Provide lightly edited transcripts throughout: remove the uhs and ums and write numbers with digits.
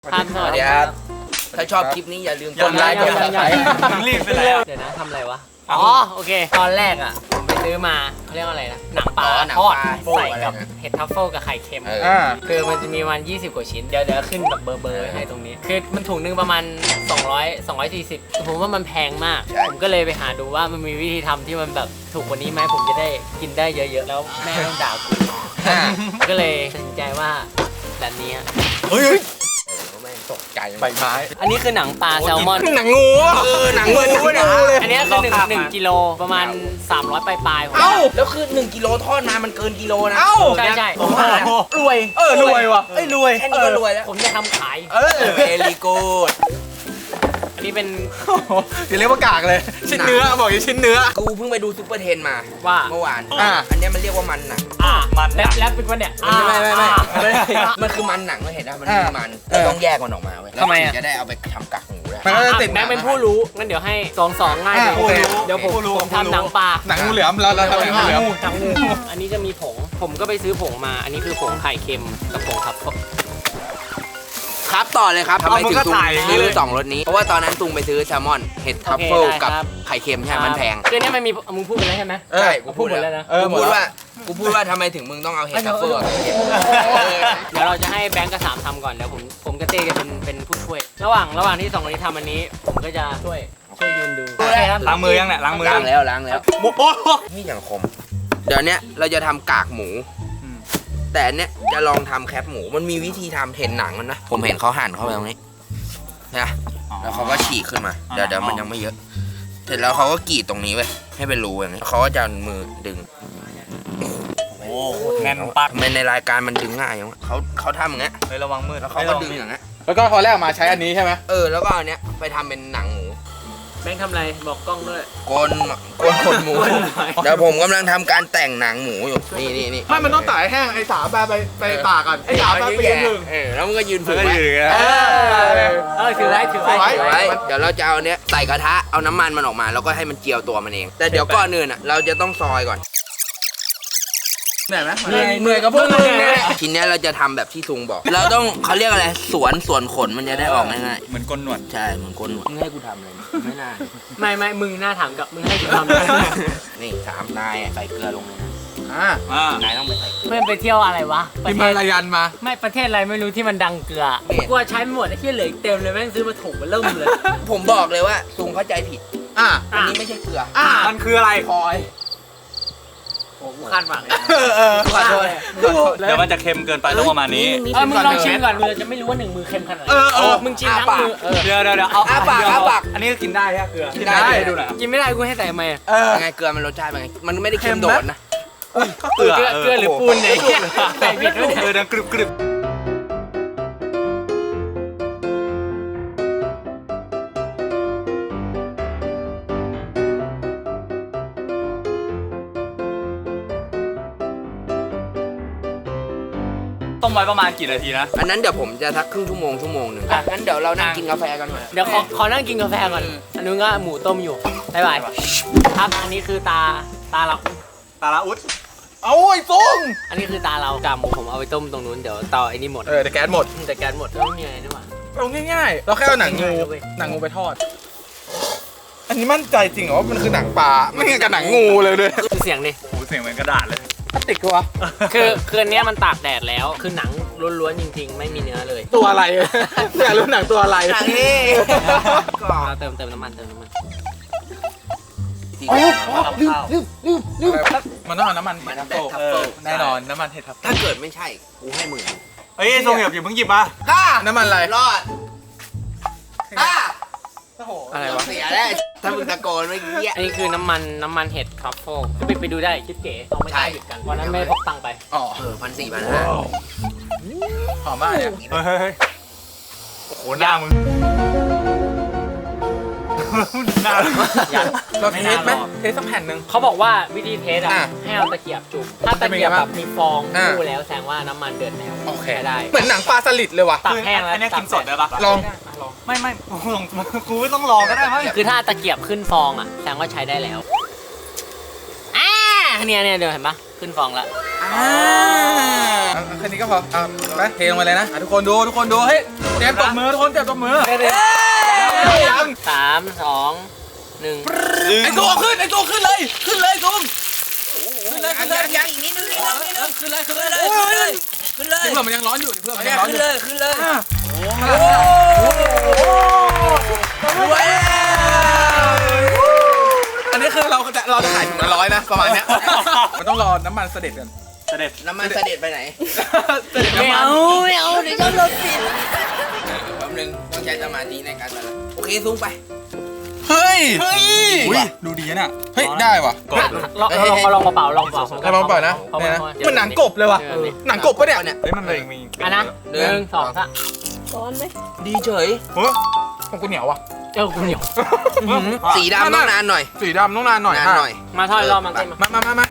ครับสวัสดีครับถ้าชอบคลิปนี้อย่าลืมกดไลค์กดซับสไครต์รีบไปแล้วเดี๋ยวนะทำอะไรวะอ๋อโอเคตอนแรกอ่ะผมไปซื้อมาเขาเรียกว่าอะไรนะหนังปลาทอดใส่กับเห็ดทัฟเฟิลกับไข่เค็มคือมันจะมีวัน20 กว่าชิ้นเดี๋ยวขึ้นแบบเบอร์ให้ตรงนี้คือมันถุงนึงประมาณ240ผมว่ามันแพงมากผมก็เลยไปหาดูว่ามันมีวิธีทำที่มันแบบถูกกว่านี้ไหมผมจะได้กินได้เยอะๆแล้วแม่ต้องด่ากูก็เลยตัดสินใจว่าแบบนี้เฮ้ยตกใจใบไม้อันนี้คือหนังปลาแซลมอนหนังงูหนังงูเนี่ยอันนี้คือ1 กิโลประมาณ300ปลายๆเอ้าแล้วคือ1 กิโลทอดมามันเกินกิโลนะใช่ผมรวยรวยว่ะรวยแค่นี้ก็รวยแล้วผมจะทำขายเวลีกูดอันนี้เป็นอย่าเรียกว่ากากเลยชิ้นเนื้อบอกอย่าชิ้นเนื้อกูเพิ่งไปดูซุปเปอร์เทนมาว่าเมื่อวานอันนี้มันเรียกว่ามันหนังมันแล้วเป็นวันเนี่ยไม่มันคือมันหนังไม่เห็นนะมันมีมันต้องแยกมันออกมาเว้ยทำไมจะได้เอาไปทำกากหมูได้มันก็จะติดแบงค์เป็นผู้รู้งั้นเดี๋ยวให้2ง่ายเดี๋ยวผมทำหนังปลาหนังงูเหลือมเราทำหนังงูเหลือมอันนี้จะมีผงผมก็ไปซื้อผงมาอันนี้คือผงไข่เค็มกับผงครับต่อเลยครับทำไมถึงตุงซื้อ2รสนี้เพราะว่าตอนนั้นตุงไปซื้อแซลมอนเห็ดทัฟเฟิลกับไข่เค็มใช่มันแพงคือเนี่ยมันมีมึงพูดไปแล้วใช่ไหมใช่กูพูดหมดแล้วนะกูพูดว่าทำไมถึงมึงต้องเอาเห็ดทัฟเฟิลเดี๋ยวเราจะให้แบงค์กับ3ทำก่อนเดี๋ยวผมกับเต้จะเป็นผู้ช่วยระหว่างที่2คนนี้ทำอันนี้ผมก็จะช่วยยืนดูล้างมือยังเนี่ยล้างมือล้างแล้วนี่อย่างคมเดี๋ยวเนี้ยเราจะทำกากหมูแต่เนี้ยจะลองทำแคปหมูมันมีวิธีทำเห็นหนังมันนะผมเห็นเขาหั่นเข้าไปตรงนี้นะแล้วเขาก็ฉีกขึ้นมาเดี๋ยวมันยังไม่เยอะเสร็จแล้วเขาก็กรีดตรงนี้ไว้ให้เป็นรูอย่างนี้เขาก็จะมือดึงโอ้แน่นปักในรายการมันดึงง่ายอย่างเขาทำอย่างเงี้ยระวังมือแล้วเขาก็ดึงอย่างเงี้ยแล้วก็พอแรกมาใช้อันนี้ใช่ไหมแล้วก็อันเนี้ยไปทำเป็นหนังหมูแบงค์ทำอะไรบอกกล้องด้วยกลหมูเดี๋ยวผมกำลังทำการแต่งหนังหมูอยู่นี่ไม่มันต้องตากแห้งไอ้สาไปตากก่อนไอ้สาไปยืนถึงแล้วมันก็ยืนฝึกไว้ถือไว้เดี๋ยวเราจะเอาเนี้ยใส่กระทะเอาน้ำมันมันออกมาแล้วก็ให้มันเจียวตัวมันเองแต่เดี๋ยวก่อนอื่นอ่ะเราจะต้องซอยก่อนเหนื่อยไหมเหนื่อยกับพวกมึงเนี่ยทีนี้เราจะทำแบบที่ซุงบอกเราต้องเขาเรียกอะไรส่วนขนมันจะได้ออกง่ายๆเหมือนก้นหนวดใช่เหมือนก้นหนวดมึงให้กูทำอะไรไม่น่าไม่มึงน่าถามกับมึงให้กูทำนี่3นายใส่เกลือลงเลยนะนายต้องไปใส่เพื่อนไปเที่ยวอะไรวะที่มาลายันมาไม่ประเทศอะไรไม่รู้ที่มันดังเกลือกลัวใช้หมดไอ้ที่เหลือเต็มเลยแม่งซื้อมาถุงมาเริ่มเลยผมบอกเลยว่าซุงเข้าใจผิดอันนี้ไม่ใช่เกลือมันคืออะไรพอยกูคาดหวังขอโทษเดี๋ยวมันจะเค็มเกินไปต้องประมาณนี้มึงลองชิมก่อนมึงจะไม่รู้ว่า1 มือเค็มขนาดไหนมึงชิมทั้งมือเดี๋ยวเอาปากอันนี้กินได้ใช่เกลือกินได้ดูหน่อยกินไม่ได้กูให้ใส่ทำไมไงเกลือมันรสชาติเป็นไงมันไม่ได้เค็มโดดนะเกลือหรือปูนไหนใส่ผิดด้วยดังกรึบต้มไว้ประมาณกี่นาทีนะอันนั้นเดี๋ยวผมจะทักครึ่งชั่วโมงนึงงั้นเดี๋ยวเรานั่งกินกาแฟกันหน่อยเดี๋ยวขอนั่งกินกาแฟก่อนอันนู้นก็หมูต้มอยู่บ๊ายบายครับอันนี้คือตาเราอุดเอาไอ้ซุงอันนี้คือตาเรากากหมูผมเอาไปต้มตรงนู้นเดี๋ยวต่อไอ้นี่หมดแต่แก๊สหมดแล้วมีอะไรนี่หว่าเราง่ายๆเราแค่เอาหนังงูไปทอดอันนี้มั่นใจจริงเหรอว่ามันคือหนังปลาไม่งั้นกับหนังงูเลยด้วยคือเสียงดิโอ้เสียงเหมือนกระดาษเลยพลาสติกวะคืออันนี้มันตากแดดแล้วคือหนังล้วนๆจริงๆไม่มีเนื้อเลยตัวอะไรอยากรู้หนังตัวอะไรหนังนี่ก็เติมน้ำมันมันต้องเอาน้ำมันเห็ดทัฟเฟิลแน่นอนน้ำมันเห็ดทัฟเฟิลถ้าเกิดไม่ใช่กูให้มึงเฮ้ยทรงอย่าเพิ่งหยิบมาน้ำมันอะไรรอดอะไรวะเสียได้ถ้ามึงตะโกนเมื่อกี้อันนี้คือน้ำมันเห็ดทรัฟเฟิลไปดูได้คิดเก๋เอาไม่ได้หยุดกันวันนั้นไม่พกตังค์ไป1,400 หอมมากเนี่ยโอ้โหหน้ามึงเราเทสไหมเทสสักแผ่นหนึ่งเขาบอกว่าวิธีเทสให้เอาตะเกียบจุ่มถ้าตะเกียบแบบมีฟองคู่แล้วแสดงว่าน้ำมันเดือดแล้วโอเคได้เหมือนหนังปลาสลิดเลยว่ะตักแห้งแล้วอันนี้กินสดได้ปะลองไม่กูไม่ต้องลองก็ได้ไหมคือถ้าตะเกียบขึ้นฟองแสดงว่าใช้ได้แล้วเนี่ยเดี๋ยวเห็นปะขึ้นฟองแล้วแค่นี้ก็พอไปเทลงไปเลยนะทุกคนดูเฮ้ยเตรียมตบมือทุกคนเตรียมตบมือ 3 2 1 ไอ้ตัวขึ้นเลยซูมขึ้นเลยยังอีกนิดนึงขึ้นเลยเพื่อนมันยังร้อนอยู่ขึ้นเลย อันนี้คือเราจะขายถุงละ100นะประมาณเนี้ยมันต้องรอน้ำมันเสด็จกันน้ำมันเสด็จไปไหนไม่เอาเดี๋ยวจะรถติดแป๊บนึงต้องใช้สมาธิในการตัดโอเคซูมไปเฮ้ยดูดีนะเฮ้ยได้ว่ะลองเปล่าลองเปล่าให้มันปล่อยนะมันหนังกบเลยว่ะหนังกบปะเนี่ยเฮ้ยมันเลยมีนะ1 2 3 ร้อนไหมดีเฉยของกูเหนียวว่ะกูเหนียวสีดำต้องนานหน่อยสีดำต้องนานหน่อยมาทอดรอบมันมา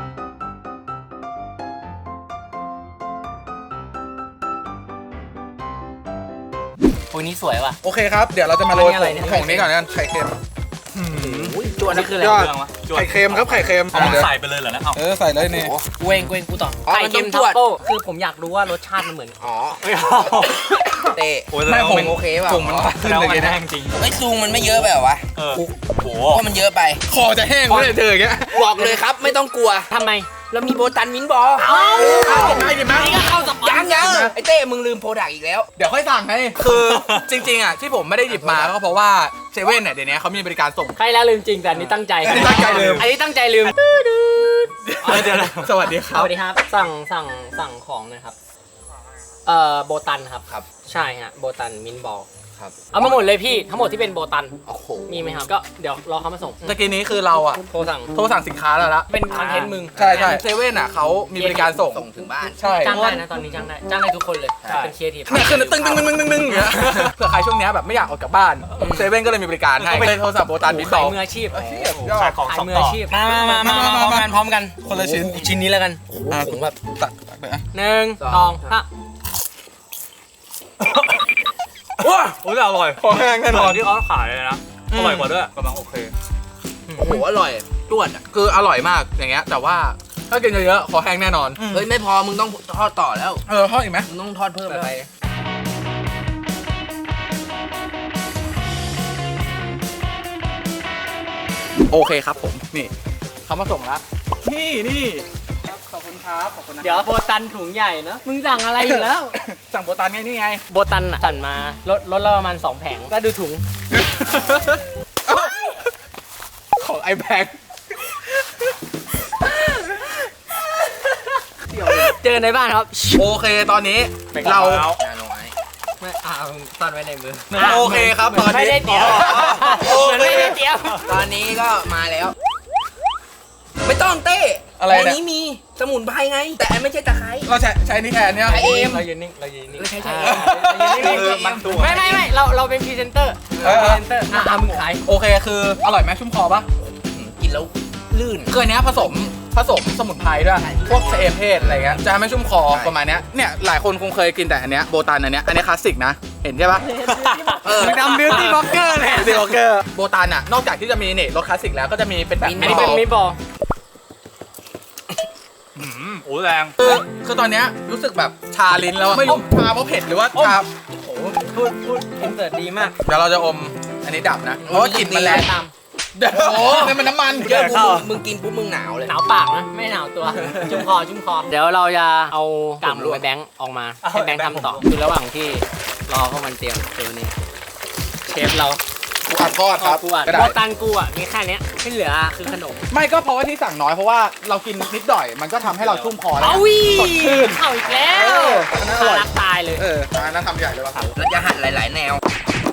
โอ้ยนี่สวยว่ะโอเคครับเดี๋ยวเราจะมาโรยของนี้ก่อนกันไข่เค็มจวนนี่คืออะไรไข่เค็มครับไข่เค็มใส่ไปเลยเหรอนะใส่เลยนี่เว้งกูต่อไข่เค็มทัฟเฟิลคือผมอยากรู้ว่ารสชาติมันเหมือนเตะไม่ผมโอเคป่ะผมมันขึ้นเลยนะจริงไอ้ซูงมันไม่เยอะไปหรอวะโหว่ามันเยอะไปคอจะแห้งเลยเธออย่างเงี้ยบอกเลยครับไม่ต้องกลัวทำไมเรามีโบตันมินบอลนี่ก็เข้าสปอนยังไอ้เต้มึงลืมโปรดักต์อีกแล้วเดี๋ยวค่อยสั่งให้คือจริงๆอ่ะที่ผมไม่ได้หยิบมาก็เพราะว่าเซเว่นเนี่ยเดี๋ยวนี้เขามีบริการส่งใครแล้วลืมจริงแต่อันนี้ตั้งใจลืมอันนี้ตั้งใจลืมเดี๋ยวสวัสดีครับสวัสดีครับสั่งของนะครับโบตันครับใช่ฮะโบตันมินบอลเอามาหมดเลยพี่ทั้งหมดที่เป็นโบตันมีไหมครับก็เดี๋ยวรอเขามาส่งตะกี้นี้คือเราอ่ะโทรสั่งสินค้าแล้วละเป็นคอนเทนต์มึงใช่เซเว่นอ่ะเขามีบริการส่งถึงบ้านใช่จ้างได้นะตอนนี้จ้างได้ทุกคนเลยเป็นเคียร์ทีฟเนี่ยคือตึ้งเผื่อใครช่วงนี้แบบไม่อยากออกจากบ้านเซเว่นก็เลยมีบริการให้เป็นโทรศัพท์โบตันมินบอลมืออาชีพขายของมืออาชีพมาพร้อมกันคนละชิ้นนี้แล้วกันผมแบบตักไป 1 2 3 โอ้ยอร่อยพอแห้งแน่นอนที่เขาขายเลยนะอร่อยกว่าด้วยกำลังโอเคโอ้โหอร่อยจวดคืออร่อยมากอย่างเงี้ยแต่ว่าถ้ากินเยอะๆคอแห้งแน่นอนเฮ้ยไม่พอมึงต้องทอดต่อแล้วทอดอีกไหมมึงต้องทอดเพิ่มไปโอเคครับผมนี่เขามาส่งแล้วนี่ขอบคุณครับเดี๋ยวโบตันถุงใหญ่เนาะมึงสั่งอะไรอยู่แล้วสั่งโบตันนี่ไงโบตันสั่งมาลดละประมาณ2แผงก็ดูถุงของไอแบงเจอในบ้านครับโอเคตอนนี้เราไม่ซ่อนไว้ในมือโอเคครับตอนนี้ไม่ได้เตรียมตอนนี้ก็มาแล้วไม่ต้องเต้อะไรในนี้มีสมุนไพรไงแต่ไม่ใช่ตะไคร้เราใช้นี่แทนเนี่ยใช้เอ็มเรายืนนิ่งไม่ใช่ไม่เราเป็นพรีเซนเตอร์มึงขายโอเคคืออร่อยไหมชุ่มคอปะกินแล้วลื่นคืออันนี้ผสมสมุนไพรด้วยพวกเอมเพศอะไรเงี้ยจะไม่ชุ่มคอประมาณเนี้ยเนี่ยหลายคนคงเคยกินแต่อันเนี้ยโบตันอันเนี้ยคลาสสิกนะเห็นใช่ปะทำบิวตี้บล็อกเกอร์เลยบิวตี้บล็อกเกอร์โบตันอ่ะนอกจากที่จะมีเนี่ยรสคลาสสิกแล้วก็จะมีเป็นแบบอันนี้เป็นมิบอลโอ้แรงคือตอนเนี้ยรู้สึกแบบชาลิ้นแล้วไม่รู้ชาเพราะเผ็ดหรือว่าชาโอ้พูดอินเสิร์ตดีมากเดี๋ยวเราจะอมอันนี้ดับนะเพราะว่ากลิ่นมันแรงตามโอ้นี่มันน้ำมันเยอะมึงกินปุ๊บมึงหนาวเลยหนาวปากนะไม่หนาวตัวชุ่มคอเดี๋ยวเราจะเอากำไปแบงค์ออกมาให้แบงค์ทำต่อคือระหว่างที่รอพวกมันเตรียมตัวนี้เชฟเรากูอัดทอดครับโบตันกูอ่ะมีแค่นี้ที่เหลือคือขนมไม่ก็เพราะว่าที่สั่งน้อยเพราะว่าเรากินนิดหน่อยมันก็ทำให้เราชุ่มคอแล้วสดชื่นเข้าอีกแล้วน่าอร่อยตายเลยน่าทำใหญ่เลยว่ะเราจะหั่นหลายๆแนว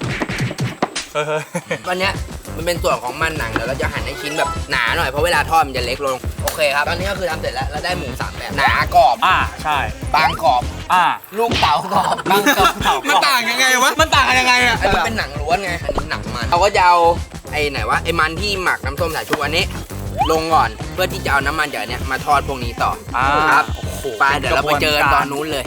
วันเนี้ยมันเป็นส่วนของมันหนังเดี๋ยวเราจะหั่นให้ชิ้นแบบหนาหน่อยเพราะเวลาทอดมันจะเล็กลงโอเคครับตอนนี้ก็คือทำเสร็จแล้วเราได้หมู3แบบหนากรอบใช่บางกรอบลูกเต๋ากรอบบางกรอบมันต่างยังไงวะมันต่างกันยังไงอ่ะอันนี้เป็นหนังล้วนไงอันนี้หนังมันเราก็จะเอาไอ้ไหนวะไอ้มันที่หมักน้ำส้มสายชูอันนี้ลงก่อนเพื่อที่จะเอาน้ำมันจากเนี้ยมาทอดพวกนี้ต่อครับไปเดี๋ยวเราไปเจอตอนนู้นเลย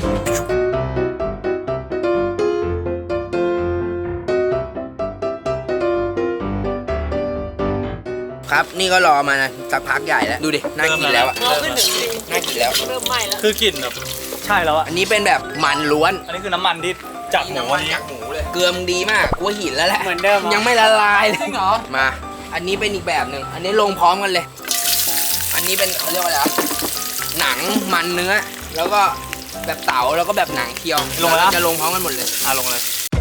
ครับนี่ก็รอมานะสักพักใหญ่แล้วดูดิน่ากินแล้วอะงอขึ้นถึงดิน่ากินแล้วเริ่มไหม้แล้วคือกลิ่นแบบใช่แล้วอะอันนี้เป็นแบบมันล้วนอันนี้คือน้ำมันที่จากหมูอันนี้จากหมูเลยเกลือมงดีมากกูว่าหินแล้วแหละเหมือนเดิมเหรอยังไม่ละลายเลยจริงเหรอมา อันนี้เป็นอีกแบบหนึ่งอันนี้ลงพร้อมกันเลย อันนี้เป็นเขาเรียกว่าอะไรวะหนังมันเนื้อ แล้วก็แบบเต๋าแล้วก็แบบหนังเคียวลงมาแล้วจะลงพร้อมกันหมดเลยลงเลย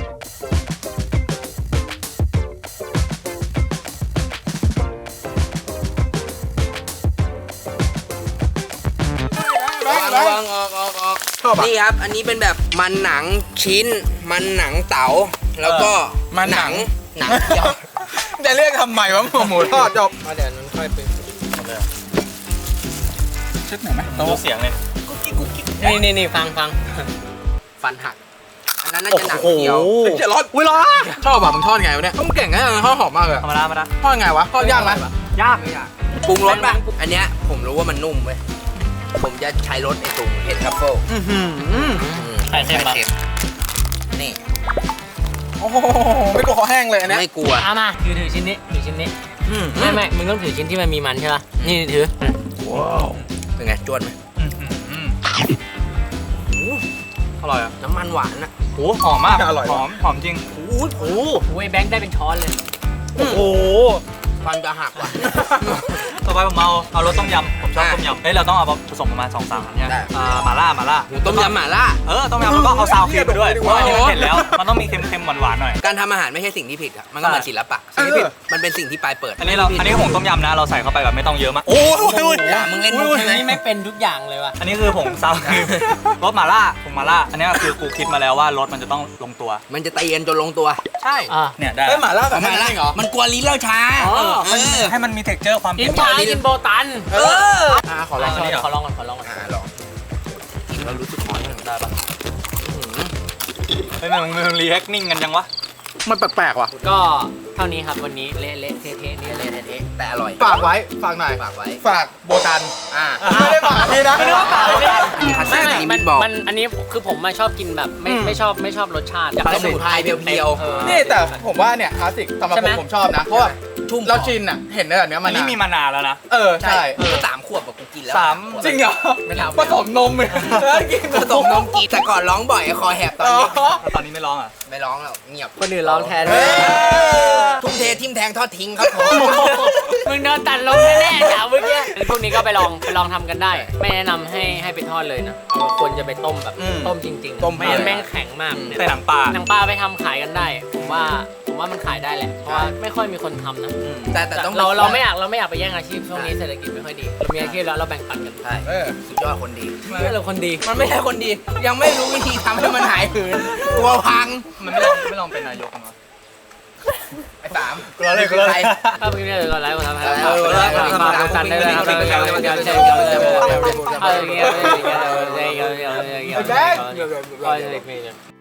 วางออกชอบอ่ะนี่ครับ อันนี้เป็นแบบมันหนังชิ้น มันหนังเต๋าแล้วก็มันหนังหนังเคียวจะเรียกทำไมวะหมูทอดจบมาเดี๋ยวนั้นค่อยไปเช็ดหน่อยไหมดูเสียงเลยนี่ฟังฟันหัก อันนั้นน่าจะหนังเคียวเจ็ดร้อยอุ้ยร้อนชอบอ่ะมึงทอดไงวะเนี่ยต้องเก่งแค่ทอดหอมมากเลยธรรมดาธรรมดาทอดไงวะทอดยากไหมยากไม่อยากปรุงรสป่ะ อันเนี้ยผมรู้ว่ามันนุ่มเว้ย ผมจะใช้รสไอ้ตุงเห็ดทรัฟเฟิลไข่เค็มปะนี่โอ้โหไม่กลัวคอแห้งเลยอันเนี้ยไม่กลัวเอามาถือชิ้นนี้ถือชิ้นนี้ไม่มึงต้องถือชิ้นที่มันมีมันใช่ป่ะนี่ถือเป็นไงจวนไหมอร่อยอ่ะน้ำมันหวานอะโอ้หอมมากหอมจริงโอ้ยแบงค์ได้เป็นช้อนเลยโอ้โหฟันจะหักว่ะต่อไปผมเอารสต้มยำผมชอบต้มยำเฮ้ยเราต้องเอาผสมประมาณ2-3อันเนี่ยได้หม่าล่าต้มยำหม่าล่าต้มยำแล้วก็เอาซาวครีมไปด้วยเพราะอันนี้มันเผ็ดแล้วมันต้องมีเค็มๆหวานๆหน่อยการทำอาหารไม่ใช่สิ่งที่ผิดครับ มันก็เหมือนศิลปะสิ่งที่ผิดมันเป็นสิ่งที่ปลายเปิดอันนี้ผงต้มยำนะเราใส่เข้าไปแบบไม่ต้องเยอะมากโอ้ยอย่ามึงเล่นมุกใช่ไหมนี่ไม่เป็นทุกอย่างเลยว่ะอันนี้คือผงซาวครีมรสหม่าล่าผงหม่าล่าอันนี้คือกูคิดมาแล้วว่ารสมันจะต้องลงตัวมันจะตีกันจนลงตัวใช่เนี่ยได้เฮ้ยหม่าล่าแบบหม่าล่าจริงเหรอมันกลัวลิ้นเราช้าให้มันมีเท็กเจอร์ความกิเผ็นดชากินโบตันขอลองขอลองก่อนลองกินแล้วรู้สึกน้อยมันได้ปะเฮ้ยมันรีแอคนิ่งกันยังวะมันแปลกๆว่ะก็เท่านี้ครับวันนี้เละเทะนี่เละเทะแต่อร่อยฝากไว้ฝากหน่อยฝากไว้ฝากโบตันไม่ไม่ได้ฝากนี่นะไม่ได้ว่าเปล่าเลยไม่มันอันนี้คือผมชอบกินแบบไม่ชอบรสชาติสมุนไพรเพียวนี่แต่ผมว่าเนี่ยคลาสสิกสำหรับใช่ไหมผมชอบนะเพราะว่าชุ่มเราชินอ่ะเห็นได้แบบเนี้ยอัมาน นนี้มีมานานแล้วนะใช่ก็3 ขวบกับกูกินแล้วสามจริงเหรอไม่ทำผสมนมเลยกินผสมนมกินแต่ก่อนร้องบ่อยคอแหบตอนอ๋อนี้ตอนนี้ไม่ร้องอ่ะไม่ร้องแล้วเงียบคนอื่นร้องแทนเฮ้ยทุ่มเททิมแทงทอดทิ้งครับผมมึงโดนตัดลงแน่ๆจ้าเมื่อกี้พวกนี้ก็ไปลองทำกันได้ ไม่แนะนำให้ไปทอดเลยนะควรจะไปต้มแบบต้มจริงๆต้มไม่งั้นแม่งแข็งมากใส่หนังปลาหนังปลาไปทำขายกันได้ ผมว่ามันขายได้แหละ เพราะว่าไม่ค่อยมีคนทำนะแต่ต้องเราไม่อยากไปแย่งอาชีพช่วงนี้เศรษฐกิจไม่ค่อยดีเรามีอาชีพแล้วเราแบ่งปันกันใช่ สุดยอดคนดีเพื่อเราคนดีมันไม่ใช่คนดี ยังไม่รู้วิธีทำให้มันหายหืนกลัวพังมันไม่ลองเป็นนายกกันวะไอ้สามกลัวเลยกลัวเลยถ้าเมื่อกี้เนี่ยก็ไลฟ์มาทำให้ฝากกันได้เลยครับ